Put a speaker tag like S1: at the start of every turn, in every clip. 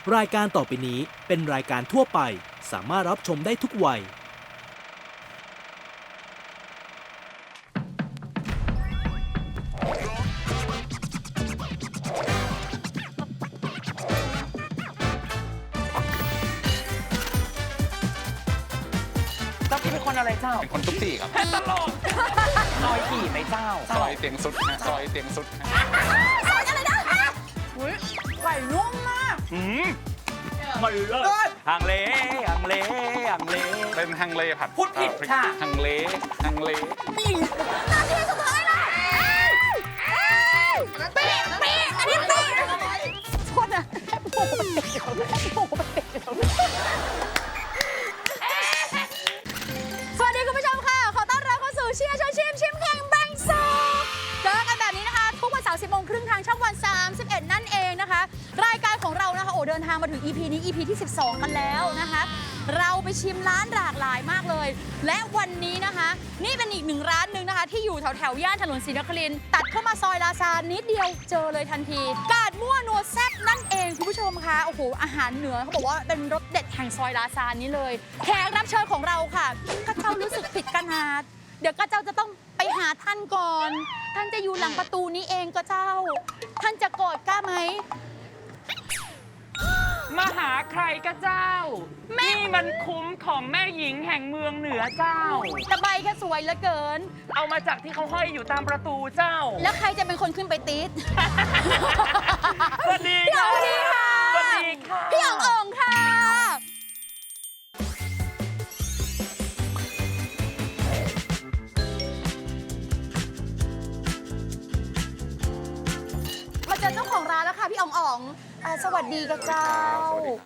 S1: รายการต่อไปนี้เป็นรายการทั่วไปสามารถรับชมได้ทุกวัย
S2: เจ้าพี่เป็นคนอะไรเจ้า
S3: เป็นคนทุกที่ครับ
S2: ตลกซอยขี่ไหมเจ้า
S3: ซอยเตียงสุดฮะซอยเตียงสุดฮะ
S4: ซอยอะไรนะอุ้ยไก่นุ่มมาก
S2: มาเลิศฮังเลฮังเลฮังเล
S3: เป็นฮังเลผัด
S2: พูดผิด
S3: พริก
S2: ค่ะ
S3: ฮังเลฮังเล
S4: มีนาทีสุดท้ายแล้วปีอันนี้ปีโทษนะโอ้โหสวัสดีคุณผู้ชมค่ะ ขอต้อนรับเข้าสู่เชียร์ชวนชิมชิมแข่งแบ่งสุขเจอกันแบบนี้นะคะ ทุกวันเสาร์ 10 โมงครึ่งทางช่องวัน 31 นั่นเองนะคะ รายการของเรานะคะโอ้เดินทางมาถึง EP นี้ EP ที่ 12 กันแล้วนะคะ เราไปชิมร้านหลากหลายมากเลย และวันนี้นะคะ นี่เป็นอีกหนึ่งร้านหนึ่งนะคะ ที่อยู่แถวย่านถนนศรีนครินทร์ตัดเข้ามาซอยลาซานิดเดียวเจอเลยทันที กาดมั่วนัวแซ่บนั่นเองคุณผู้ชมคะโอ้โหอาหารเหนือเขาบอกว่าเป็นรสเด็ดแห่งซอยลาซานี้เลยแขกรับเชิญของเราค่ะกระเจ้ารู้สึกผิดกันหาเดี๋ยวกระเจ้าจะต้องไปหาท่านก่อน ท่านจะอยู่หลังประตูนี้เองก็เจ้า ท่านจะโกรธกล้าไหม
S2: มาหาใครก็เจ้า นี่มันคุ้มของแม่หญิงแห่งเมืองเหนือเจ้า
S4: ตะไบแค่สวยเหลือเกิน
S2: เอามาจากที่เขาห้อยอยู่ตามประตูเจ้า
S4: แล้วใครจะเป็นคนขึ้นไปติด
S2: สวัสดี
S4: พี่อ๋องดีค่ะ
S2: สวัสดีค่ะ
S4: พี่อ๋องอ่องค่ะ มาเจอเจ้าของร้านแล้วค่ะพี่อ๋องอ่องสวัสดีกับเจ้า
S3: สวัสดีครับ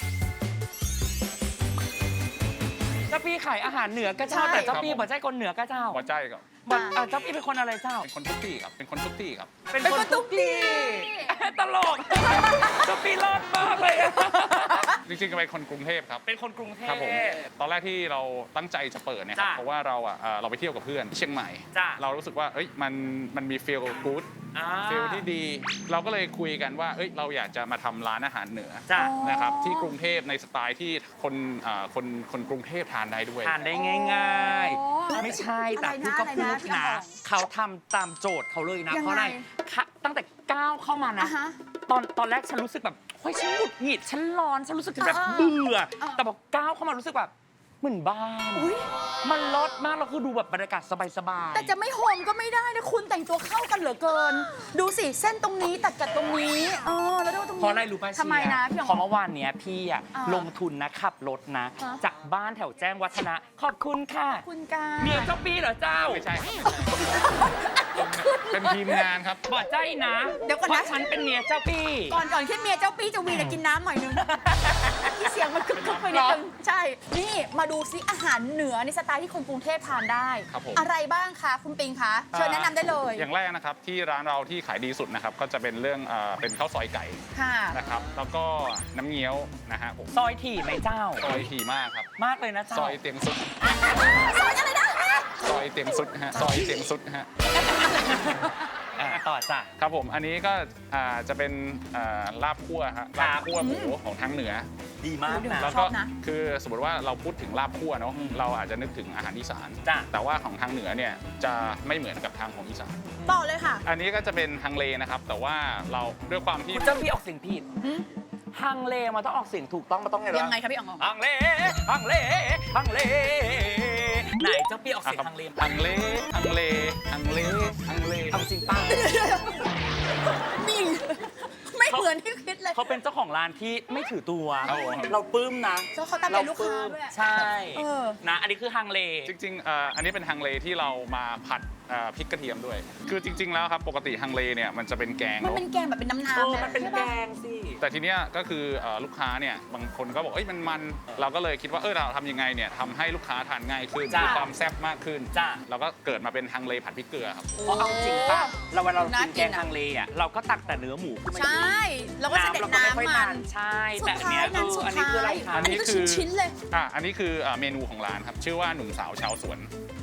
S2: เจ้าพี่ขายอาหารเหนือก็เจ้า
S4: ใช่
S2: แต่เจ้าพี่บอกใจคนเหนือก็เจ้า
S3: หัวใจกับ
S2: บอกเจ้าพี่เป็นคนอะไรเจ้า
S3: เป็นคนทุกที่ครับเป็นคนทุกที่ครับ
S2: เป็นคนทุกที่ตลกเจ้าพี่รอดมากเลยอะ
S3: จริงๆก็เป็นคนกรุงเทพครับ
S2: เป็นคนกรุงเทพ
S3: ครับผมตอนแรกที่เราตั้งใจจะเปิดเนี่ยครับ
S2: จ้ะ
S3: เพราะว่าเราไปเที่ยวกับเพื่อนที่เชียงใหม่
S2: จ้ะ
S3: เรารู้สึกว่าเอ้ยมันมีฟีลกู๊ด
S2: อ่า
S3: ฟีลที่ดี เราก็เลยคุยกันว่าเอ้ยเราอยากจะมาทำร้านอาหารเหนือ
S2: จ้ะ
S3: นะครับที่กรุงเทพในสไตล์ที่คนกรุงเทพทานได้ด้วย
S2: ทานได้ง่าย
S4: อ๋อ
S2: ๆ ไม่ใช่แต่
S4: อะไรนะ
S2: พูดก็พูด
S4: อะไรนะพี่อ๋
S2: นะ
S4: อง
S2: เขาทำตามโจทย์เขาเลยนะ
S4: ยังไง
S2: เพราะอะไรตั้งแต่ก้าวเข้ามานะ
S4: อ่ะฮะ
S2: ตอนแรกฉันรู้สึกแบบเฮ้ยฉันหงุดหงิดฉันร้อนฉันรู้สึกแบบ
S4: อ่า
S2: เบื่อ
S4: อ่า
S2: แต่พอก้าวเข้ามารู้สึกแบบเหมือนบ้าน
S4: อุ๊ย
S2: มันลดมากเราคือดูแบบบรรยากาศสบายๆ
S4: แต่จะไม่โฮมก็ไม่ได้นะคุณแต่งตัวเข้ากันเหลือเกิน ดูสิเส้นตรงนี้ตัดกับตรงนี้แล้วดูตรงนี้
S2: เพราะอะไรรู้ป่ะ
S4: ทำไมนะพี่
S2: เพ
S4: อ๋อ
S2: ราะเมื่อวานเนี้ยพี่อะ
S4: อ่า
S2: ลงทุนนะขับรถนะ
S4: ฮะ
S2: จากบ้านแถวแจ้งวัฒนะขอบคุณค่ะ
S4: คุณการ
S2: เมียเจ้าปีเหรอเจ้า
S3: ไม่ใช่ครับเป็นทีมงานครับ
S2: บอกใจนะ
S4: เดี๋ยวก่อน
S2: เพ
S4: นะ
S2: ราะฉันเป็นเมียเจ้าปี
S4: ก่อนขึ้นเมียเจ้าปี้จะวีแต่กินน้ำหน่อยนึงที่เสียงมันกึกๆไปนิดนึงใช่ นี่มาดูซิอาหารเหนือในสไตล์ที่คนกรุงเทพทานได้
S3: ครับผม
S4: อะไรบ้างคะคุณปิงคะเชิญแนะนำได้เลย
S3: อย่างแรกนะครับที่ร้านเราที่ขายดีสุดนะครับก็จะเป็นเรื่องเป็นข้าวซอยไก่
S4: ค่ะ
S3: นะครับแล้วก็น้ำเงี้ยวนะฮะผม
S2: ซอยถี่ไหมเจ้า
S3: ซอยถี่มากครับ
S2: มากเลยนะเจ้า
S3: ซอยเตียงสุด
S4: ซอยอะไรนะ
S3: ซอยเตียงสุดฮะซอยเตียงสุดฮะ
S2: ต่อจ้ะ
S3: ครับผมอันนี้ก็จะเป็นลาบคั่วฮะ
S2: ครั
S3: ลา
S2: บ
S3: บคั่วหมูของทางเหนือ
S2: ดีมากนะ
S3: แล้วก็คือสมมติว่าเราพูดถึงลาบคั่วเนาะ
S2: อืม
S3: เราอาจจะนึกถึงอาหารอีสาน
S2: จ้ะ
S3: แต่ว่าของทางเหนือเนี่ยจะไม่เหมือนกับทางของอีสาน
S4: ต่อเลยค่ะ
S3: อันนี้ก็จะเป็นฮังเลนะครับแต่ว่าเราด้วยความที่
S2: คุณเจ้าพี่ออกเสียงผิดฮังเลมันต้องออกเสียงถูกต้องมันต้องไงวะ
S4: ยังไงคะพี่อ๋อง
S2: ฮังเลฮังเลฮังเลไหนเจ้าพี่ออกเสียงฮังเล
S3: ฮังเลฮังเลฮังเลฮังเล
S2: เอาจริงป้า
S4: มีไม่เหมือนที่คิดเลย
S2: เขาเป็นเจ้าของร้านที่ไม่ถือตัว
S3: ครับผม
S2: เราปลื้มนะ
S4: เจ้าเขาตามเป็นลูกค้าด้วย
S2: ใช่
S4: เออ
S2: นะอันนี้คือฮังเล
S3: จริงๆอันนี้เป็นฮังเลที่เรามาผัดพริกกระเทียมด้วย คือจริง ๆ แล้วครับปกติฮังเลเนี่ยมันจะเป็นแกง
S4: มัน
S3: เนาะ
S4: เป็นแกงแบบเป็นน้ำ
S2: เออ
S4: ๆะ
S2: มันเป็น
S4: ใช่
S2: แก
S4: ปะ
S2: งสิ
S3: แต่ทีเนี้ยก็คือลูกค้าเนี่ยบางคนก็บอกเอ้ยมันเราก็เลยคิดว่าเราทำยังไงเนี่ยทำให้ลูกค้าทานง่ายขึ้น
S2: จ้ะ
S3: มีความแซ่บมากขึ้น
S2: จ้ะ
S3: เราก็เกิดมาเป็นฮังเลผัดพริกเกลือครับ
S2: เพราะเอาจริงป่ะเราเวลาเรา
S4: น่า
S2: กิน
S4: กิ
S2: แก
S4: น
S2: ง
S4: อะ
S2: ฮังเลอ่ะเราก็ตักแต่เนื้อหมูขึ้นมา
S4: ใช่แล้วก็จะเด็ด
S2: เราก็ไม่ค่อย
S4: น้ำมั
S2: ทาน นใช่
S4: สุ
S2: แต่
S4: ด
S2: อัน
S4: ท้า
S2: เนี้
S4: ย
S2: ย
S4: นั้นสุด
S2: อันนี้
S4: ท้า
S2: คืออะไร
S4: ย
S2: คะ
S4: อันนี้ก็ชิ้นๆเลย
S3: อันนี้คือเมนูของร้านครับชื่อว่าหนุ่มสาวชาวสวน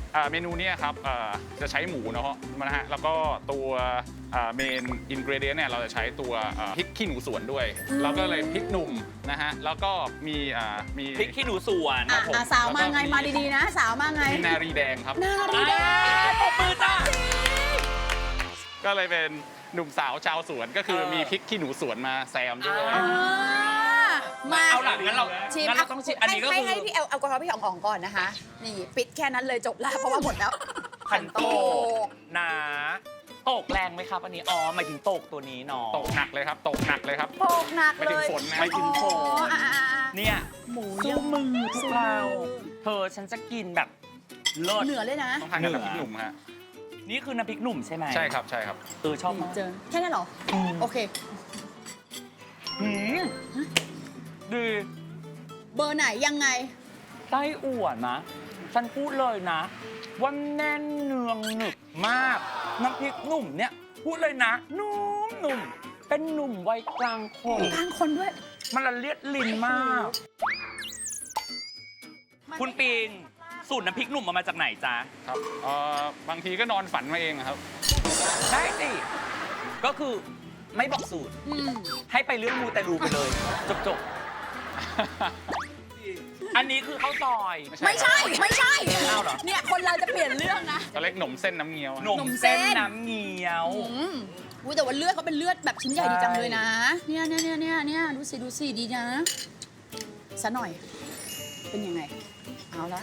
S3: เมนูเนี้ครับจะใช้หมูเนาะนะฮะแล้วก็ตัวเมนอินกรีเดียนเนี่ยเราจะใช้ตัวพริกขี้หนูสวนด้วยแล้วก็เลยพริกหนุ่มนะฮะแล้วก็มี
S2: พริกขี้หนูสวน
S4: อ่ะสาวมาไงมาดีๆนะ สาวมาไง
S3: มีนารีแดงครับ
S4: นารีแดง
S2: ปรบมือจ้า
S3: ก็เลยเป็นหนุ่มสาวชาวสวนก็คือมีพริกขี้หนูสวนมาแซมด้วย
S4: มา
S2: เอาหลังงั้นเรา
S4: ชิม
S2: งั้นเราต้องชิมอันนี้ก็คือ
S4: ให้พี่แอลกอฮอล์พี่อ๋องก่อนนะคะ นี่ปิดแค่นั้นเลยจบแล้วเพราะว่าหมดแล้ว
S2: ขันโตกนะโตกแรงไหมครับอันนี้อ๋อหมายถึงโตกตัวนี้เนาะ
S3: ตกหนักเลยครับตกหนักเลยครับ
S4: โปกหนักเลย
S3: ไม่ถึงฝนนะ
S2: ไม่ถึงฝน
S4: อ๋ออ่ะ
S2: เนี่ย
S4: หมู
S2: สู้มือพวกเราเธอฉันจะกินแบบเลิศ
S4: เหนือเลยนะ
S3: ต้องทานกับน้ำพริกหนุ่มฮะ
S2: นี่คือน้ำพริกหนุ่มใช่ไหม
S3: ใช่ครับใช่ครับ
S2: ชอบมาก
S4: เจอแค่นั้นเหรอ โอเค
S2: หืมดี
S4: เบอร์ไหนยังไง
S2: ไส้อั่วนะฉันพูดเลยนะว่าแน่นเนืองหนึบมากน้ำพริกหนุ่มเนี่ยพูดเลยนะนุ่มเป็นหนุ่มวัยกลางคน
S4: บางคนด้วย
S2: มันละเลียดลิ้นมาก คุณปิงสูตรน้ำพริกหนุ่มมาจากไหนจ๊ะ
S3: ครับบางทีก็นอนฝันมาเองครับ
S2: ได้สิ ก็คือไม่บอกสูตร
S4: อืม
S2: ให้ไปเรื่องมูแต่รูไปเลย จบ อันนี้คือข้าวซอย
S4: ไม่ใช่ ไม่ใช่
S2: อ้าวเหรอ
S4: เนี่ยคนเราจะเปลี่ยนเรื่องนะ
S3: ก็เล็กหนมเส้นน้ำเงี้ยว
S2: หนมเส้นน้ำเงี้ยว
S4: อุ้ยแต่ว่าเลือดเขาเป็นเลือดแบบชิ้นใหญ่ดีจังเลยนะ เนี่ยดูสิดีนะซะหน่อย เป็นยังไง เอาละ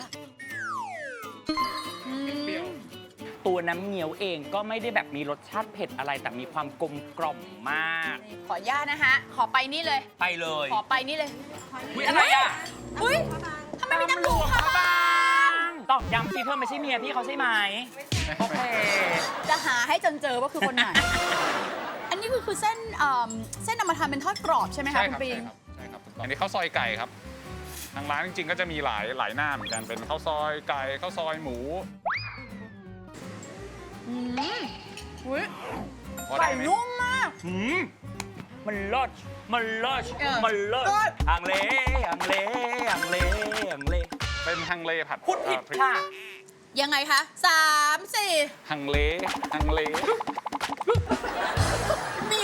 S4: อืม
S2: ตัวน้ำเงี้ยวเองก็ไม่ได้แบบมีรสชาติเผ็ดอะไรแต่มีความกลมกล่อมมาก
S4: ขออนุญาตนะคะ ขอไปนี่เลย
S2: ไปเลย
S4: ขอไปนี่เลย
S2: อุ๊ยอะไรอ่ะ
S4: อุ้ยทำไมมีน้ำหลวงพระบาง
S2: ตอกย้ำสิเธอไม่ใช่เมียพี่เขาใช่ไหมโอเค
S4: จะหาให้จนเจอว่าคือคนไหน อันนี้คือเส้นเส้นนำมาทำเป็นทอดกรอบใช่ไหมคะ
S3: ใช่
S4: คุ
S3: ครั
S4: ณ
S3: บ
S4: ปิง
S3: ใช่ครับอันนี้ข้าวซอยไก่ครับทางร้านจริงๆก็จะมีหลายหน้าเหมือนกันเป็นข้าวซอยไก่ข้าวซอยหมู
S4: อืมอุ้ย
S3: พอได้
S4: ไก่
S3: ไหม
S4: นุ่มมาก
S2: มันเลิศมันเลิศ
S4: เออ
S2: มันเลิศ
S4: เลิศ
S2: อังเล
S3: เป็นฮังเลผัด
S2: พูดผิด
S3: พริก
S2: ค่ะ
S4: ยังไงคะ3 4
S3: ฮังเล
S4: นี่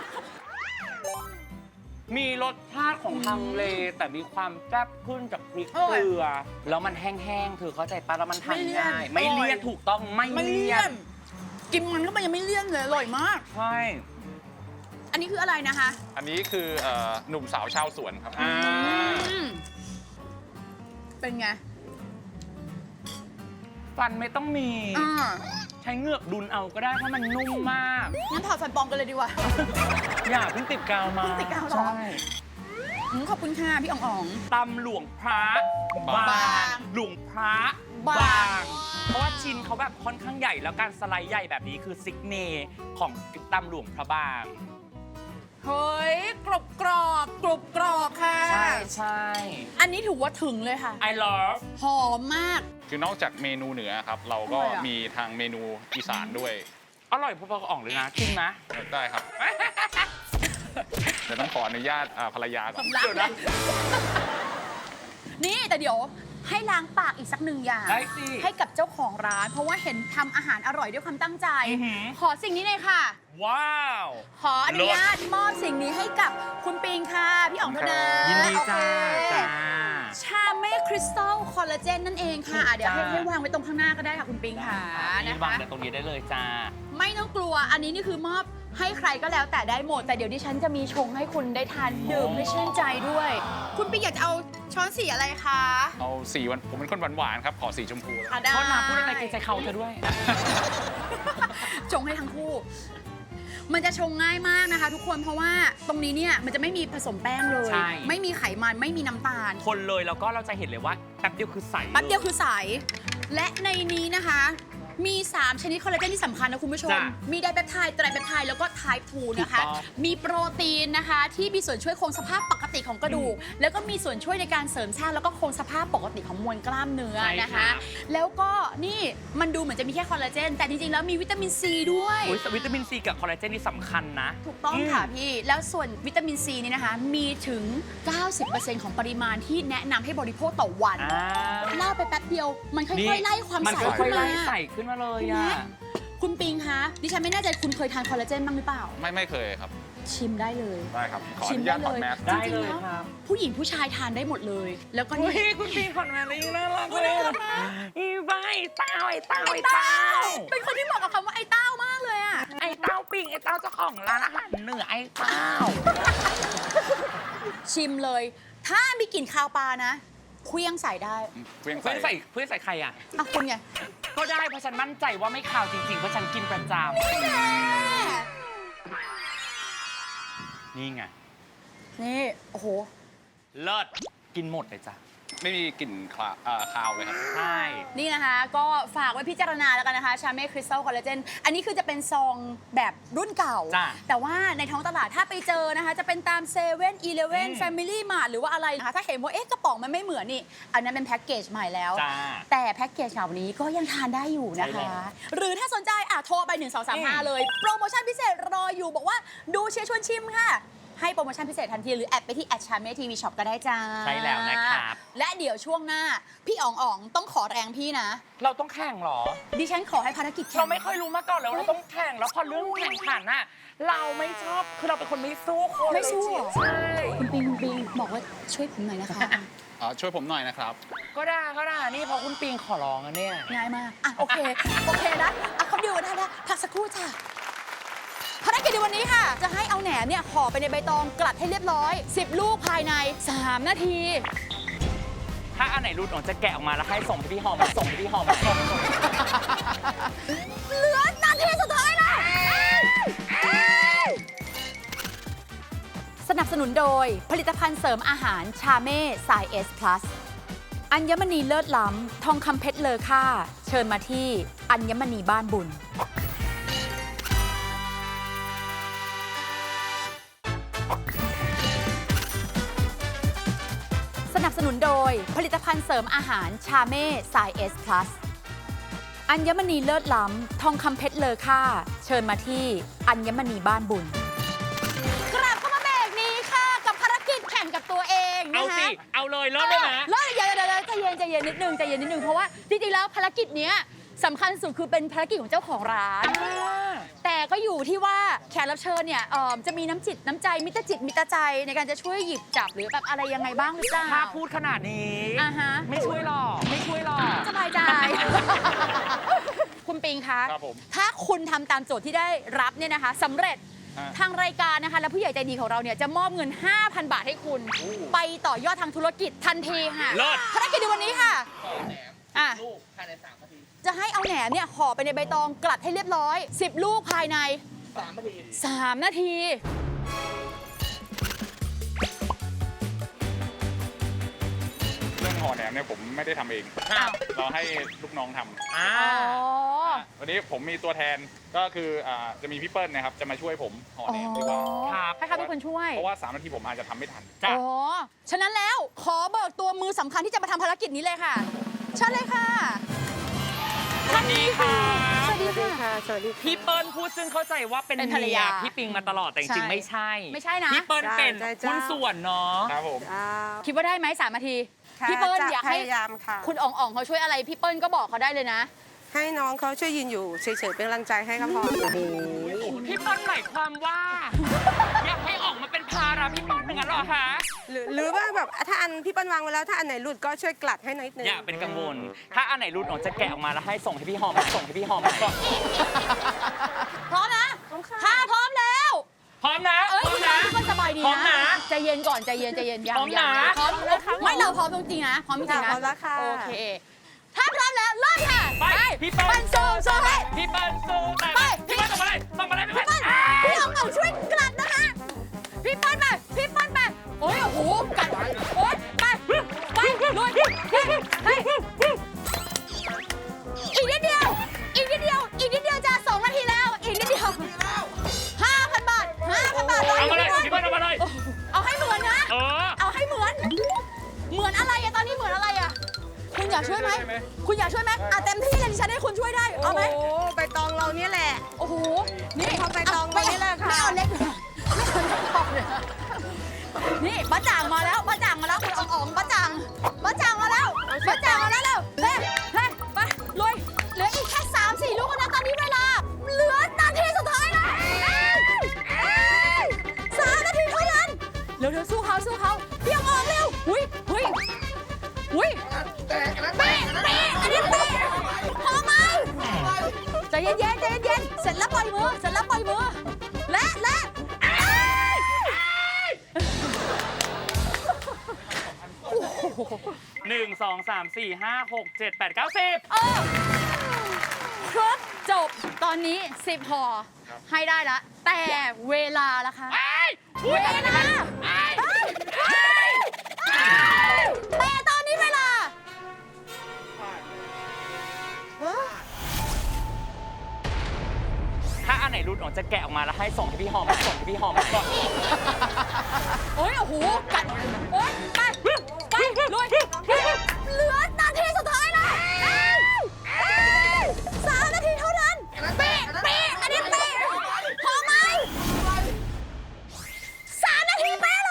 S2: มีรสชาติของฮังเลแต่มีความแซ่บขึ้นจากพริกเกลือ แล้วมันแห้งๆเธอเข้าใจปะแล้วมันทานง่าย ไม่เลี่ยนถูกต้องไม่
S4: ไม่
S2: เลี่
S4: เลี่
S2: ย
S4: ย
S2: น
S4: น กินมันก็มันยังไม่เลี่ยนเลยอร่อยมาก
S2: ใช่
S4: อันนี้คืออะไรนะคะ
S3: อันนี้คือหนุ่มสาวชาวสวนครับ
S2: อ่า
S4: อืมเป็นไง
S2: ฟันไม่ต้องมี
S4: อ่า
S2: ใช้เงือกดุลเอาก็ได้เพราะมันนุ่มมาก
S4: งั้นถอดฟันปลอมกันเลยดีกว่า
S2: อย่าเพิ่งติดกาวมา
S4: เพิ่งติดกาวเหรอ
S2: ใช่
S4: ขอบคุณค่ะพี่อ๋อง
S2: ตำหลวงพระ
S3: บาง
S2: บางหลวงพระ
S4: บาง
S2: เพราะว่าชิ้นเขาแบบค่อนข้างใหญ่แล้วการสไลด์ใหญ่แบบนี้คือซิกเนของตำหลวงพระบาง
S4: เฮ้ยกรอบค่ะ
S2: ใช่
S4: อันนี้ถือว่าถึงเลยค่ะ
S2: I love
S4: หอมมาก
S3: คือนอกจากเมนูเหนือครับ เราก็
S4: อร่อยอะ
S3: มีทางเมนูอีสานด้วย
S2: อร่อยพอๆกับอ่องเลยนะกินนะ
S3: ได้ครับ แต่ต้องขออนุญาตภรรยาก่อน
S4: สำลักเลยนี่แต่เดี๋ยวให้ล้างปากอีกสักหนึ่งอย่าง
S2: ได้สิ
S4: ให้กับเจ้าของร้าน เพราะว่าเห็นทำอาหารอร่อยด้วยความตั้งใจ
S2: อือหือ
S4: ขอสิ่งนี้เลยค่ะ
S2: ว้าว
S4: ขออนุญาตมอบสิ่งนี้ให้กับคุณปิงค่ะ พี่อ๋องเท่านั้น
S2: ยินดีจ้า
S4: โอเค
S2: จ้า
S4: ชาเม่คริสตัลคอลลาเจนนั่นเองค่ะ
S2: ถูก
S4: เดี๋ยวให้
S2: จ้า
S4: ให้วางไว้ตรงข้างหน้าก็ได้ค่ะคุณปิงค่ะ
S2: นี่
S4: นะ
S2: วาง
S4: คะ
S2: เดี๋ยวตรงนี้ได้เลยจ้า
S4: ไม่ต้องกลัว อันนี้นี่คือมอบให้ใครก็แล้วแต่ได้หมด แต่เดี๋ยวดิฉันจะมีชงให้คุณได้ทานดื่มให้ชื่นใจด้วย คุณปิงอยากจะเอาช้อนสีอะไรคะ
S3: เอาสีวันผมเป็นคนหวานๆครับ ขอสีชมพูแล้ว
S4: อ่ะได้
S2: โทษนะพูดอะไรเกรงใจเขาเธอด้วย
S4: ชงให้ทั้งคู่ มันจะชงง่ายมากนะคะทุกคน เพราะว่าตรงนี้เนี่ยมันจะไม่มีผสมแป้งเลย
S2: ใช่
S4: ไม่มีไขมัน ไม่มีน้ำตาล
S2: คนเลยแล้วก็เราจะเห็นเลยว่าแป๊บเดียวคือใส
S4: แป๊บเดียวคือใส และในนี้นะคะมี 3 ชนิดคอลลาเจนที่สำคัญนะคุณผู้ชม
S2: จ้ะ
S4: มีไดเปปไทด์ไตรเปปไทด์แล้วก็ไทป์ 2 นะคะ
S2: ถูกต้อง
S4: มีโปรตีนนะคะที่มีส่วนช่วยคงสภาพปกติของกระดูก แล้วก็มีส่วนช่วยในการเสริมสร้างแล้วก็คงสภาพปกติของมวลกล้ามเนื้อ
S2: ใช่
S4: นะ
S2: ครั
S4: คะ
S2: บ
S4: แล้วก็นี่มันดูเหมือนจะมีแค่คอลลาเจนแต่จริงๆแล้วมีวิตามินซีด้วย
S2: อุ๊ยวิตามินซีกับคอลลาเจนนี่สำคัญนะ
S4: ถูกต้องค่ะพี่ แล้วส่วนวิตามินซีนี่นะคะ มีถึง 90% ของปริมาณที่แนะนำให้บริโภคต่อวัน
S2: อ่า
S4: เล่าไปแป๊บเดียว มันค่อยๆไล่ความ
S2: มัน
S4: ใส
S2: ค่
S4: ขึ้
S2: อย
S4: น
S2: ๆ
S4: มา
S2: ไล่ใส่ขึ้นมาเลย
S4: เห็น
S2: อ่ะ
S4: ไหมคุณปิงคะดิฉันไม่แน่ใจคุณเคยทานคอลลาเจนบ้างหรือเปล่า
S3: ไม่เคยครับ
S4: ชิมได้เลย
S3: ได้ครับ ขออ
S4: ชิม
S3: นุ
S4: ได้
S3: ญาตถ
S4: เล
S3: อด
S4: ย
S3: แมส
S2: ได้
S4: จริง
S2: เล
S4: ๆ
S2: ย
S4: แล้ว
S2: ครับ
S4: ผู้หญิงผู้ชายทานได้หมดเลย แล้วก็
S2: อุ้
S4: นี่
S2: ยคุณปีนขอนแมนเลยน่ารักเลยอีใบเต้าไอ้เต้าไอ้เต้า
S4: เป็นคนที่เหมาะกับคำว่าไอ้เต้ามากเลยอะ
S2: ไอ้เต้าปิงไอ้เต้าเจ้าของร้านอาหารเหนือไอ้เต้า
S4: ชิมเลย ถ้ามีกลิ่นคาวปลานะเคลี้ยงใส่ได้
S3: เพียง
S2: เพื่อน
S3: ใส่
S2: ใส่ใครอ่ะ
S4: อ่ะคุณไง
S2: ก็ได้เพราะฉันมั่นใจว่าไม่ข่าวจริงๆเพราะฉันกินประจำนี่ไง
S4: นี่โอ้โห
S2: เลิศกินหมดเลยจ้ะ
S3: ไม่มีกลิ่นคาวเลยครับ
S2: ใช่
S4: นี่นะคะก็ฝากไว้พิจารณาแล้วกันนะคะชาเม่คริสตัลคอลลาเจนอันนี้คือจะเป็นซองแบบรุ่นเก่า
S2: จ้ะ
S4: แต่ว่าในท้องตลาดถ้าไปเจอนะคะ จะเป็นตามเซเว่นอีเลฟเว่น
S2: อืม
S4: แฟมิลี่มาร์ทหรือว่าอะไรนะคะถ้าเห็นว่าเอ๊ะกระป๋องมันไม่เหมือนนี่ อันนั้นเป็นแพ็กเกจใหม่แล้ว
S2: จ้า
S4: แต่แพ็กเกจเหล่านี้ก็ยังทานได้อยู่นะ
S2: ใช่
S4: คะ
S2: แล้ว
S4: หรือถ้าสนใจโทรไป 1235 เลย โปรโมชั่นพิเศษรออยู่บอกว่าดูเชียร์ชวนชิมค่ะ ให้โปรโมชั่นพิเศษทันที หรือแอดไปที่ชาเม่ทีวีช็อปก็ได้จ้า
S2: ใช่แล้วนะครับ
S4: และเดี๋ยวช่วงหน้า พี่อ๋องต้องขอแรงพี่นะ
S2: เราต้องแข่งเหรอ
S4: ดิฉันขอให้ภารกิจแข่ง
S2: เราไม่เคยรู้มาก่อนเลยว่าเราต้องแข่งแล้วพอเรื่องแข่งขันน่ะเราไม่ชอบคือเราเป็นคนไม่สู้คน
S4: ไม่สู้เหรอ
S2: ใช่
S4: คุณปิงบอกว่าช่วยผมหน่อยนะคะ
S3: ช่วยผมหน่อยนะครับ
S2: ก็ได้นี่พอคุณปิงขอร้องอะเนี่ย
S4: ง่ายมากโอเคนะเขาดูได้พักสักครู่จ้ะภารกิจในวันนี้ค่ะ จะให้เอาแหนมเนี่ยห่อไปในใบตองกลัดให้เรียบร้อย 10 ลูกภายใน 3 นาที
S2: ถ้าอันไหนรุดออกจะแกะออกมาแล้วให้ส่งไปที่ห้องส่งไปที่ห้อง
S4: เหลือนาทีสุดท้ายแล้วสนับสนุนโดยผลิตภัณฑ์เสริมอาหารชาเม่สายเอสพลัสอัญมณีเลิศล้ำทองคำเพชรเลอค่าเชิญมาที่อัญมณีบ้านบุญ สนับสนุนโดยผลิตภัณฑ์เสริมอาหารชาเม่สายเอสพลัสอัญมณีเลิศล้ำทองคำเพชรเลอค่าเชิญมาที่อัญมณีบ้านบุญกลับเข้ามาเบรกนี้ค่ะกับภารกิจแข่งกับตัวเองนะ
S2: เอา
S4: คะ
S2: สิเอาเลยเริ่มได้ไหม
S4: เริ่มเดี๋ยวใจเย็นนิดนึงเพราะว่าจริงๆแล้วภารกิจเนี้ยสำคัญสุดคือเป็นภารกิจของเจ้าของร้าน แต่ก็อยู่ที่ว่าแขกรับเชิญเนี่ยจะมีน้ำจิตน้ำใจมิตรจิตมิตรใจในการจะช่วยหยิบจับหรือแบบอะไรยังไงบ้างหรือเปล่า
S2: ถ้าพูดขนาดนี้
S4: อ่าฮะ
S2: ไม่ช่วยหรอกไม่ช่วยหรอก
S4: สบายใจ คุณปิงคะ
S3: ครับผม
S4: ถ้าคุณทำตามโจทย์ที่ได้รับเนี่ยนะคะสำเร็จ
S3: ฮะ
S4: ทางรายการนะคะ และผู้ใหญ่ใจดีของเราเนี่ยจะมอบเงิน 5,000 บาทให้คุณ ไปต่อยอดทางธุรกิจทันทีค่ะ
S2: เลิศ
S4: ภารกิจในวันนี้ค่ะอ่ะจะให้เอาแหนมเนี่ยห่อไปในใบตองกลัดให้เรียบร้อย 10 ลูกภายใน 3 นาที
S3: เรื่องห่อแหนมเนี่ยผมไม่ได้ทำเอง
S4: อ้าว
S3: เราให้ลูกน้องทำ
S2: อ่า
S4: อ๋อ
S3: วันนี้ผมมีตัวแทนก็คือจะมีพี่เปิ้ลนะครับจะมาช่วยผมห่อแหนมดีกว่า
S2: ครับ
S4: ให้เขาเป็นคนช่วย
S3: เพราะว่า3 นาทีผมอาจจะทำไม่ทัน
S2: จ้ะ
S4: อ๋อ ฉะนั้นแล้วขอเบิกตัวมือสำคัญที่จะมาทำภารกิจนี้เลยค่ะเชิญเลยค่ะ
S2: สวัสดีค่ะ
S4: สวัสดีค่ะ
S2: พี่เปิ้ลพูดซึ่งเข้าใจว่าเป็น
S4: เป็นภรรยา
S2: เมีพี่ปิงมาตลอดแต่จริงๆไม่ใช่
S4: ไม่ใช่นะ
S2: พี่เปิ้ลเป็น
S5: ใช่
S2: หุ้นส่วนเนาะ
S3: ครับผม
S4: คิดว่าได้ไหม3 นาที
S5: ค่ะ
S4: พี่เปิ้ล
S5: จะ
S4: อยากให้
S5: พยายามค่ะ
S4: คุณอ่องเขาช่วยอะไรพี่เปิ้ลก็บอกเขาได้เลยนะ
S5: ให้น้องเขาช่วยยืนอยู่เฉยๆเป็นกำลังใจให้ก็พอค่ะ
S2: พี่เปิ้ลหมายความว่า อยากให้ออกมาเป็นภาระพี่เปิ้ลอย่างนั้นเหรอคะ
S5: หรือว่าแบบถ้าอันพี่เปิ้ลวางไว้แล้วถ้าอันไหนหลุดก็ช่วยกลัดให้นิดนึง
S2: อย่าเป็นกังวล ถ้าอันไหนรุดออกจะแกะออกมาแล้วให้ส่งให้พี่หอมส่งให้พี่หอม
S4: พร้อมนะถ้าพร้อมแล้ว
S2: พร้อมนะ
S4: เอ้ย
S2: พร้อ
S4: คุ
S2: ม
S4: ณ
S2: นะ
S4: ก็สบายดี
S2: พร้อม
S4: นะ
S2: นะ
S4: ใจเย็นก่อนใจเย็นยัง
S2: พร้อมนะ
S4: พร้อมไม่เราพร้อมจริงๆนะพร้อมจริงๆนะ
S5: พร้อมแล้วค่ะ
S4: โอเค ถ้าพร้อมแล้วเริ่มค่ะ
S2: ไปพี่เปิ้ล
S4: ปั้นสู้ให้
S2: พี่เปิ้ลสู้แต่
S4: ไป
S2: พี่เปิ้ลส่งมาเลยพี่
S4: พี่
S2: เปิ้
S4: เปิ้
S2: ล
S4: ลพี่เอาช่วยกลัดนะคะพี่เปิ้ลไปโอ้ยโอ้โหกัดโอ้ยไปลุยไปอีกนิดเดียวคุณอยากช่วยไหมเต็มที่เลยดิฉันให้คุณช่วยได้เอาไหม
S5: โอ้ใบตองเราเนี่ยแหละ
S4: โอ้โหนี่
S5: พอใบตอง
S4: ไม่
S5: ไว้นี่แหละค่ะ
S4: ไม่เอาเล็กเลยไม่เอาเล็กพอเลยนี่ป้าจ่างมาแล้วป้าจ่างมาแล้วคุณอ๋องป้าจ่างมาแล้วป้าจ่างมาแล้วเร็วเฮ้ยไปลุยเหลืออีกแค่3-4 ลูกนะตอนนี้เวลาเหลือนาทีสุดท้ายแล้ว3 นาทีเท่านั้นเร็วสู้เขาพี่อ๋องเร็วอุ้ยเป๊ะอันนี้เป๊ะพอไหมใจเย็นเสร็จแล้วปล่อยมือและ
S2: 1 2 3 4 5 6 7 8 9 10
S4: ครบจบตอนนี้10ห่อให้ได้ละแต่เวลาล่ะคะเวลาแต่ตอนนี้เวลา
S2: ถ้าอันไหนรุดออกจะแกะออกมาแล้วให้ส่งให้พี่หอมก่อน
S4: โอ้โหกัดโอ๊ยไปลุยเหลือนาทีสุดท้ายแล้ว3 นาทีเท่านั้นเป๊ะอันนี้เป๊ะพอไหม3 นาทีเป๊ะเลย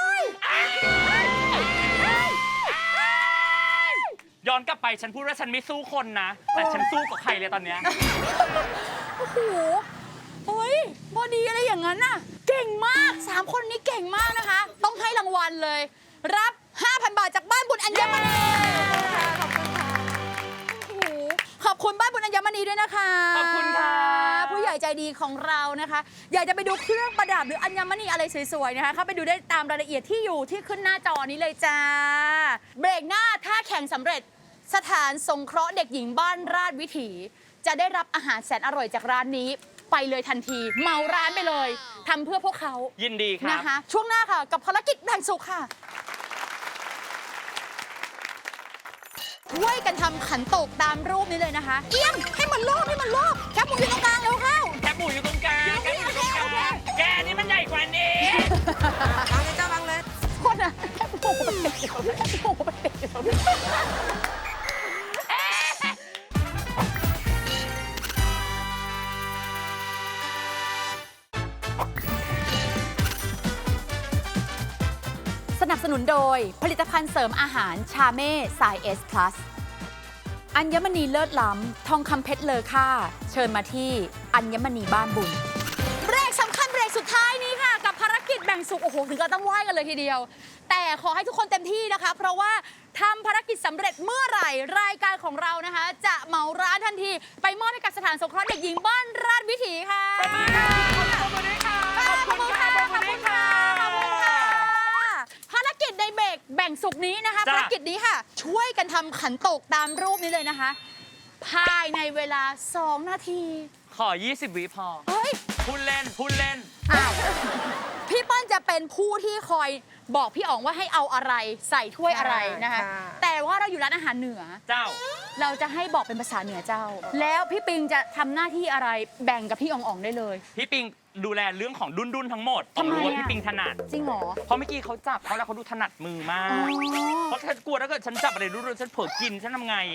S2: ย้อนกลับไปฉันพูดว่าฉันไม่สู้คนนะ แต่ฉันสู้กับใครเลยตอนเนี้ย
S4: โอ้โหเฮ้ยพอดีอะไรอย่างนั้นน่ะ เก่งมาก 3 คนนี้เก่งมากนะคะ ต้องให้รางวัลเลย รับ 5,000 บาทจากบ้านบุญอัญมณีโอ้โหขอบคุณบ้านบุญอัญมณีด้วยนะคะ
S2: ขอบคุณค่ะ
S4: ผู้ใหญ่ใจดีของเรานะคะ อยากจะไปดูเครื่องประดับหรืออัญมณีอะไรสวยๆนะคะเข้าไปดูได้ตามรายละเอียดที่อยู่ที่ขึ้นหน้าจอนี้เลยจ้า เบรกหน้าถ้าแข่งสำเร็จสถานสงเคราะห์เด็กหญิงบ้านราชวิถี จะได้รับอาหารแสนอร่อยจากร้านนี้ไปเลยทันทีเหมาร้านไปเลยทำเพื่อพวกเขา
S2: ยินดีครับ
S4: นะคะช่วงหน้าค่ะกับภารกิจแบ่งสุขค่ะช่วยกันทำขันโตกตามรูปนี้เลยนะคะเอียงให้มันรอบแคบหมูอยู่ตรงกลางเร็วเข้า
S2: แคบหมูอยู่ตรงกลาง
S4: โอเค
S2: แกนี่มันใหญ่กว่านี้
S5: วางเลยเจ้าวางเลย
S4: คนอะแคบหมูไปติดอยู่ตรงนี้ สนับสนุนโดยผลิตภัณฑ์เสริมอาหารชาเม่สายเอสพลัสอัญมณีเลิศล้ำทองคำเพชรเลอค่าเชิญมาที่อัญมณีบ้านบุญเบรกสำคัญเบรกสุดท้ายนี้ค่ะกับภารกิจแบ่งสุขโอ้โหถึงก็ต้องไหว้กันเลยทีเดียว แต่ขอให้ทุกคนเต็มที่นะคะเพราะว่าทำภารกิจสำเร็จเมื่อไหร่รายการของเรานะคะ จะเหมาร้านทันทีไปมอบให้กับสถานสงเคราะห์เด็กหญิงบ้านราชวิถีค่ะขอบคุณค่ะภารกิจในเบรกแบ่งสุขนี้นะคะ
S2: จ้ะ
S4: ภารกิจนี้ค่ะ ช่วยกันทำขันโตกตามรูปนี้เลยนะคะ ภายในเวลา 2 นาที
S2: ขอ 20 วิพอ
S4: เฮ้ย
S2: พูดเล่น
S4: อ้าวพี่เปิ้ลจะเป็นผู้ที่คอยบอกพี่อ๋องว่าให้เอาอะไรใส่ถ้วยอะไรนะคะ แต่ว่าเราอยู่ร้านอาหารเหนือ
S2: เจ้า
S4: เราจะให้บอกเป็นภาษาเหนือเจ้า แล้วพี่ปิงจะทำหน้าที่อะไรแบ่งกับพี่อ๋องได้เลย
S2: พี่ปิงดูแลเรื่องของดุนทั้งหมด
S4: ทำไม
S2: รู้ว่า
S4: อะ
S2: พี่ปิงถนัด
S4: จริงเหรอ
S2: เพราะเมื่อกี้เขาจับเขาแล้วเขาดูถนัดมือมาก
S4: อ๋อ
S2: เพราะฉันกลัวถ้าเกิดฉันจับอะไรรุ่นๆฉันเผลอกินฉันทำไง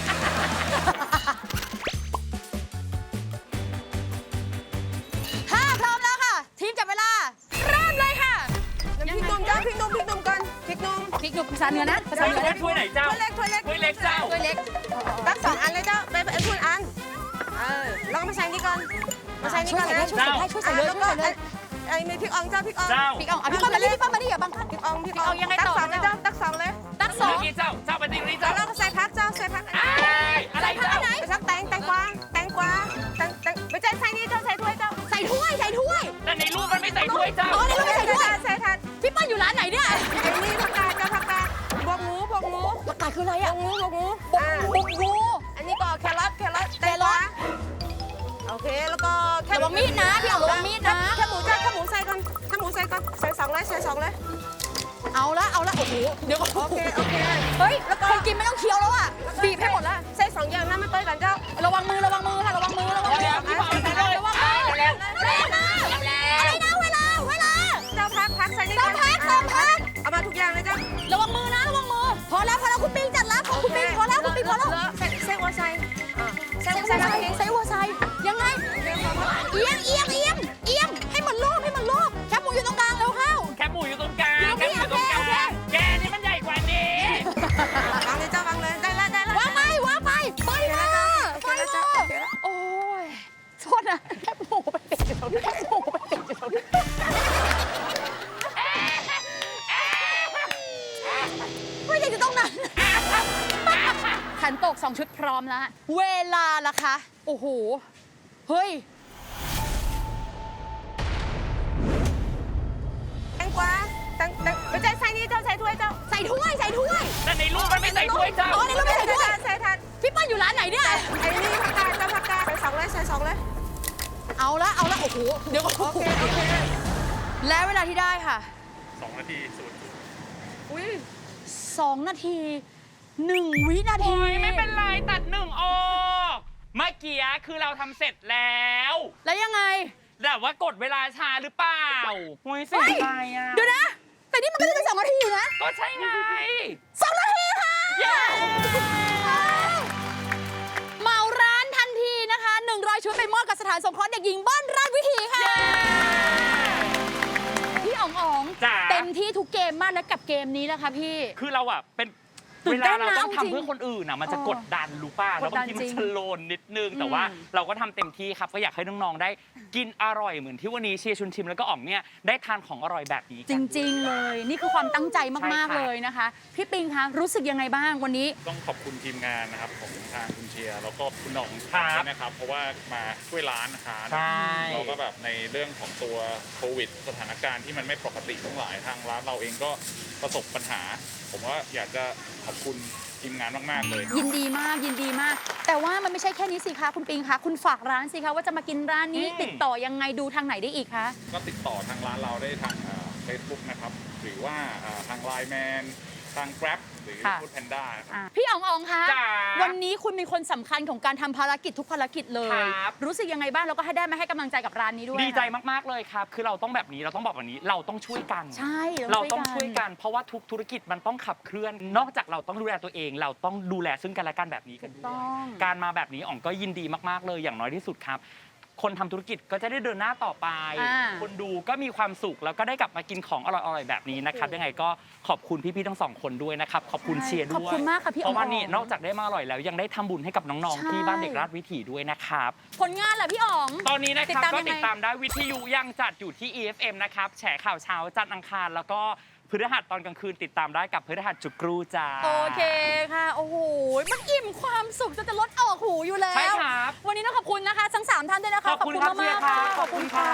S4: ถ้าพร้อมแล้วค่ะ ทีมจับเวลาเริ่มเลยค่ะ
S5: พริกหนุ่มเจ้าพริกหนุ่มก่อนพริกหนุ่ม
S4: พริกหนุ่มภาษาเหนือนะภาษาเหนือนะ
S2: ถ้วยไหนเจ้า
S5: ถ้วยเล็ก
S2: ถ้วยเล็กเจ้า
S4: ถ้วยเล็ก
S5: ตั้ง2 อันเลยเจ้าไปคุณอันลองมาใส่นี่ก่อนมาใส่นี่
S4: ช่วย
S5: ก่อน
S4: ใส่ได้
S5: นะ
S4: ช่วยใส่ได้ช่วยใส่เลย
S5: แล้ว
S4: ช่วย
S5: ก็
S4: ใส่เลย
S5: มีพริกอ่องเจ้าพริกอ่อง
S2: เจ้า
S4: พี่อ๋องพี่ป้อมมาดิพี่ป้อมมาดิอย่าบังคับ
S5: พริกอ่อง
S4: พริกอ่องยังไงต่อ
S5: ตัก 2เลยเจ้าตัก 2เลย
S4: ตักสอ
S2: เมื่
S4: ง
S2: อกี้เจ้าไปตีนี้
S5: แล้
S2: เจ้าว
S5: เราก็ใส่ผักเจ้าใส่ผัก
S2: อะไรเจ้า
S5: ไปสักแตงกวาไม่ใช่ใส่นี่เจ้าใส่ถ้วยเจ้า
S4: ใส่ถ้วย
S2: แต่ในรูปมันไม่ใส่ถ้วยเจ้า
S4: อ๋อในรูปไม่ใส่ถ้วย
S5: ใส่ทัน
S4: พี่ป้อมอยู่ร้านไหนเนี่ย
S5: ไอ้นี่ผักกาดเจ้าผักกาดบวกหมูบวกหมู
S4: ประกาศคืออะไรอ่ะ
S5: บวกหมู
S4: บุกงู
S5: อันนี้ก็แครอทแตงกวาโอเคแล้วก็
S4: ระวังมีดนะพี่อ๋องระวังมีดนะ
S5: แค่หมูเจ้าแค่หมูใส่ก่อนใส่2เลยใส่2เลย
S4: เอาละโอ้โหเดี๋ยวก่อน
S5: โอเค
S4: เฮ้ยคนกินไม่ต้องเคี้ยวแล้วอ่ะบีบให้หมดละ
S5: ใส่2อย่างนะไม่ต้อยกันเจ้า
S4: ระวังมือค่ะระวังมือระวังมือ
S2: พี่บอกไปเลย
S4: ระวังมือเร็วนะอะไรนะเวลา
S5: เจ้าพักใส่นี่
S4: ต้องพัก
S5: เอามาทุกอย่างเลยเจ้า
S4: ระวังมือนะระวังมือพอแล้วคุณปิงจัดแล้วคุณปิงพอแล้ว
S5: เส้นวาซา
S4: ไซวัวไซยังไงเอียงให้มันโลบแคบหมูอยู่ตรงกลางเร็วเข้า
S2: แคบหมูอยู่ตรงกลาง
S4: อยู่ตรงนี้
S2: แคบหมูอยู่ตรงกลาง
S4: โอเค
S2: แกนี่มันใหญ่กว่านี้
S5: วางเลยเจ้าวางเลยได้แล้ว
S4: วางไปไปค่ะโอ้ยโทษนะแคบหมูไปติดอยู่ตรงนี้ไม่อยากจะต้องนั้นขันโตก2 ชุดพร้อมแล้ว เวลาล่ะคะ โอ้โห เฮ้ย
S5: แตงกวาไม่ใช่ใส่นี่เจ้าใส่ถ้วยเจ้า
S4: ใส่ถ้วย
S2: แต่ในรูปมันไม่ใส่ถ้วยเจ้า
S4: อ๋อในรูปไม่ใส่ถ้วย
S5: ใส่ทัน
S4: พี่เปิ้ลอยู่ร้านไหนเนี่ย
S5: ไอ้นี่ผักกาดเจ้าผักกาดใส่2เลย
S4: เอาละ โอ้โห เดี๋ยวก่อน
S5: โอเค
S4: และเวลาที่ได้ค่ะ
S3: 2 นาทีศูนย์
S5: อุ้ย
S4: 2 นาที 1 วินาที
S2: โอ้ยไม่เป็นไรตัด1ออกเมื่อกี้คือเราทำเสร็จแล้ว
S4: แล้วยังไง
S2: แต่ว่ากดเวลาช้าหรือเปล่าโอ้ยเสียใจอ่ะ
S4: เดี๋ยวนะ แต่นี่มันก็จะเป็น2 นาทีอยู่นะ
S2: ก็ใช่ไง
S4: 2 นาทีค่ะ
S2: เย้
S4: เหมาร้านทันทีนะคะ100 ชุดไปมอบกับสถานสงเคราะห์เด็กหญิงบ้านราชวิถีค่ะ พี่อ๋อง
S2: จ๋า
S4: เต็มที่ทุกเกมมากแล้วกับเกมนี้แล้วค่ะพี่
S2: คือเราอ่ะเป็น
S4: ตื่
S2: เวน
S4: เต้
S2: ลาน เรา
S4: นะ
S2: ต้อง
S4: จริง
S2: ทำเพื่อคนอื่นอ่ะมันจะกดดันรู้ป่ะ
S4: ก
S2: แล้ว
S4: ดดั
S2: บาน งทีมั
S4: จริ
S2: น
S4: ง
S2: สโลนนิดนึงแต่ว่า
S4: อืม
S2: เราก็ทำเต็มที่ครับก็อยากให้น้องๆได้กินอร่อยเหมือนที่วันนี้เชียร์ชุนชิมแล้วก็อ๋องเนี่ยได้ทานของอร่อยแบบนี้
S4: จ
S2: กัน
S4: ริง ๆ เลย นี่คือความตั้งใจมาก
S2: ใช่ค่ะ
S4: ๆ เลยนะคะ พี่ปิงคะรู้สึกยังไงบ้างวันนี้
S3: ต้องขอบคุณทีมงานนะครับของทางคุณเชียร์แล้วก็คุณหน่อง
S2: ครับ
S3: ด้วยนะครับ เพราะว่ามาช่วยร้านนะคะ
S2: ใช่
S3: เราก็แบบในเรื่องของตัวโควิด สถานการณ์ที่มันไม่ปกติทั้งหลายทางร้านเราเองก็ประสบปัญหา ผมว่าอยากจะขอบคุณทีมงานมากๆเลย
S4: ยินดีมาก แต่ว่ามันไม่ใช่แค่นี้สิคะคุณปิงคะคุณฝากร้านสิคะว่าจะมากินร้านนี้ติดต่อยังไงดูทางไหนได้อีกคะ
S3: ก็ติดต่อทางร้านเราได้ทางFacebook นะครับ หรือว่าทาง Line Man ทาง Grab หรือ
S4: ค่ะ
S3: Food Panda ครับ
S4: พี่อ๋องคะ
S2: จ๋า
S4: วันนี้คุณเป็นคนสำคัญของการทำภารกิจทุกภารกิจเลย
S2: ครับ
S4: รู้สึกยังไงบ้างแล้วก็ให้ได้มาให้กำลังใจกับร้านนี้ด้วย
S2: ดีใจ
S4: ค่ะ
S2: มากๆเลยครับ คือเราต้องแบบนี้เราต้องบอกแบบนี้เราต้องช่วยกัน
S4: ใช่
S2: เราต้องช่วยกัน เพราะว่าทุกธุรกิจมันต้องขับเคลื่อน นอกจากเราต้องดูแลตัวเอง เราต้องดูแลซึ่งกันและกันแบบนี้กัน
S4: ถูก
S2: ด้
S4: ต้
S2: ว
S4: อย ง
S2: การมาแบบนี้อ๋องก็ยินดีมากๆเลยอย่างน้อยที่สุดครับ คนทำธุรกิจก็จะได้เดินหน้าต่อไป
S4: อ่า
S2: คนดูก็มีความสุขแล้วก็ได้กลับมากินของอร่อยๆแบบนี้นะครับยังไงก็ขอบคุณพี่ๆทั้งสองคนด้วยนะครับขอบคุณเชียร์ด้วย
S4: ขอบคุณมากค่ะพี่
S2: เพราะว่า
S4: อ๋อง
S2: นี่นอกจากได้มาอร่อยแล้วยังได้ทำบุญให้กับน้อง
S4: ใช่
S2: ๆที่บ้านเด็กราชวิถีด้วยนะครับ
S4: ผลงานเหรอพี่อ๋อง
S2: ตอนนี้นะครับก็
S4: ยังไง
S2: ติดตามได้วิทยุยังจัดอยู่ที่ EFM นะครับแฉข่าวเช้าจันทร์อังคารแล้วก็พฤหัสตอนกลางคืนติดตามได้กับพฤหัสจุกรูจ้า
S4: โอเคค่ะ โอ้โห มันอิ่มความสุขจนจะลดออกหูอยู่แล้ว
S2: ใช่ครับ
S4: วันนี้ต้องขอบคุณนะคะทั้ง3ท่านด้วยนะคะ
S2: ขอบคุณครับ
S4: มากๆ
S2: เชียร์ครับ
S4: ขอบคุณค่ะ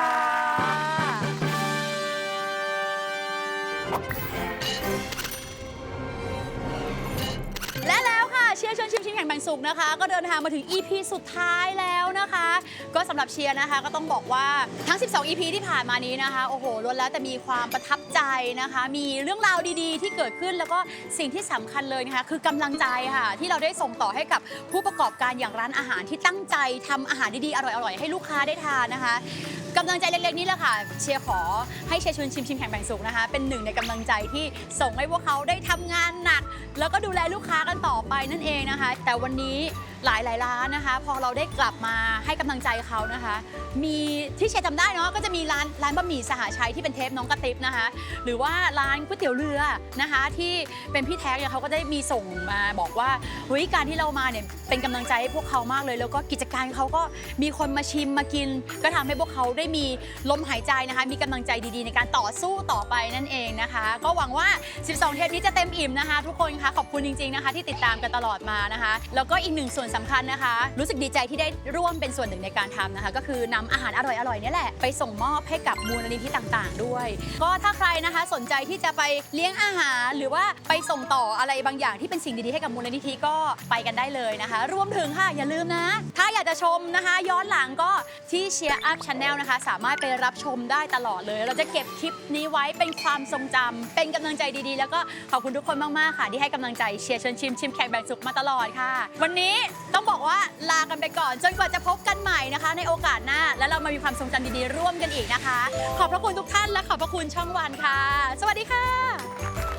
S4: และแล้วค่ะเชียร์ชวนชิมชิมแข่งแบ่งสุขนะคะ ก็เดินทางมาถึง EP สุดท้ายแล้วนะคะ ก็สำหรับเชียร์นะคะก็ต้องบอกว่าทั้ง 12 EP ที่ผ่านมานี้นะคะโอ้โหล้วนแล้วแต่มีความประทับใจนะคะ มีเรื่องราวดีๆ ที่เกิดขึ้นแล้วก็สิ่งที่สำคัญเลยนะคะคือกำลังใจค่ะ ที่เราได้ส่งต่อให้กับผู้ประกอบการอย่างร้านอาหารที่ตั้งใจทำอาหารดีๆอร่อยๆให้ลูกค้าได้ทานนะคะกำลังใจเล็กๆนี้แหละค่ะเชียร์ขอให้เชียร์ชวนชิมชิมแข่งแบ่งสุขนะคะเป็นหนึ่งในกำลังใจที่ส่งให้พวกเขาได้ทำงานหนัก แล้วก็ดูแลลูกค้ากันต่อไปนั่นเองนะคะ แต่วันนี้หลายร้านนะคะ พอเราได้กลับมาให้กำลังใจเขานะคะ มีที่เชียร์จำได้เนาะก็จะมีร้านบะหมี่สหชัยที่เป็นเทปน้องกระติบนะคะ หรือว่าร้านก๋วยเตี๋ยวเรือนะคะที่เป็นพี่แท็กเนี่ยเขาก็ได้มีส่งมาบอกว่าเฮ้ยการที่เรามาเนี่ยเป็นกำลังใจให้พวกเขามากเลย แล้วก็กิจการเขาก็มีคนมาชิมมากิน ก็ทำให้พวกเขาได้มีลมหายใจนะคะ มีกำลังใจดีๆในการต่อสู้ต่อไปนั่นเองนะคะ ก็หวังว่า 12 เทปนี้จะเต็มอิ่มนะคะ ทุกคนคะขอบคุณจริงๆนะคะ ที่ติดตามกันตลอดมานะคะ แล้วก็อีกหนึ่งส่วนสำคัญนะคะ รู้สึกดีใจที่ได้ร่วมเป็นส่วนหนึ่งในการทำนะคะ ก็คือนำอาหารอร่อยๆเนี่ยแหละไปส่งมอบให้กับมูลนิธิต่างๆ ด้วย ก็ถ้าใครนะคะสนใจที่จะไปเลี้ยงอาหารหรือว่าไปส่งต่ออะไรบางอย่างที่เป็นสิ่งดีๆให้กับมูลนิธิก็ไปกันได้เลยนะคะ รวมถึงค่ะอย่าลืมนะ ถ้าอยากจะชมนะคะย้อนหลังก็ที่ Cheer Up Channel นะคะสามารถไปรับชมได้ตลอดเลย เราจะเก็บคลิปนี้ไว้เป็นความทรงจำเป็นกำลังใจดีๆ แล้วก็ขอบคุณทุกคนมากๆค่ะที่ให้กำลังใจเชียร์ชวนชิมชิมแข่งแบ่งสุขมาตลอดค่ะ วันนี้ต้องบอกว่าลากันไปก่อนจนกว่าจะพบกันใหม่นะคะ ในโอกาสหน้าแล้วเรามามีความทรงจำดีๆร่วมกันอีกนะคะ ขอบพระคุณทุกท่านและขอบพระคุณช่องวันค่ะ สวัสดีค่ะ